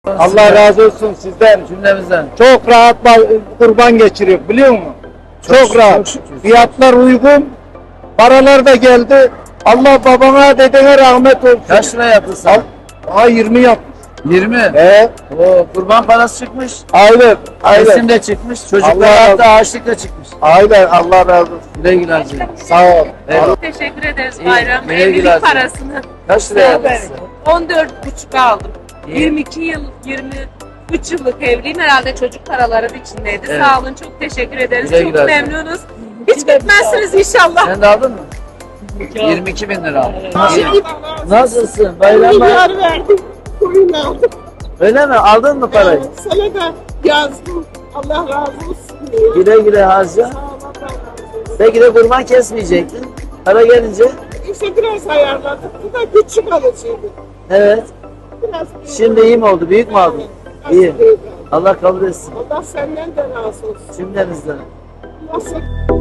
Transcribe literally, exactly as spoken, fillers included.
Allah razı olsun sizden. Cümlemizden. Çok rahat ba- kurban geçiriyor biliyor musun? Çok, Çok rahat. çok şükür. Fiyatlar uygun. Paralar da geldi. Allah babana dedene rahmet olsun. Kaç lira yaptın sen? Al- Ha yirmi yapmış. yirmi. He. Oo, kurban parası çıkmış. Aynen. Aynen. Resim de çıkmış. Allah Çocuklar razı- hatta ağaçlık da çıkmış. Aynen. Allah razı olsun. Güle güle harcayın. Sağ ol. Evet. Çok teşekkür ederiz İyi, bayram. güle güle Evlilik harcayın. parasını Kaç lira yaptın sen? on dört buçuk aldım. İyi. yirmi iki yıl, yirmi üç yıllık evliyim. Herhalde çocuk paraları içindeydi. Evet. Sağ olun, çok teşekkür ederiz. Güle çok güle harcayın. memnunuz. Hiç gitmezsiniz inşallah. Sen de aldın mı? yirmi iki bin lira aldın. Şimdi Nasılsın? Bayramlar. Milyar verdim, koyun aldım. Öyle mi? Aldın mı parayı? Evet, sana da yazdım. Allah razı olsun. Güle güle harca. Sağ ol, Allah razı olsun. Belki de kurban kesmeyecektin. Para gelince. İşte biraz ayarladık. Bu da küçük alıcıydı. Evet. Biraz büyük. Şimdi iyi mi oldu? Büyük mü aldın? Biraz İyi. büyük aldım. Allah kabul etsin. Allah senden de razı olsun. Cümlemizden. Allah sen...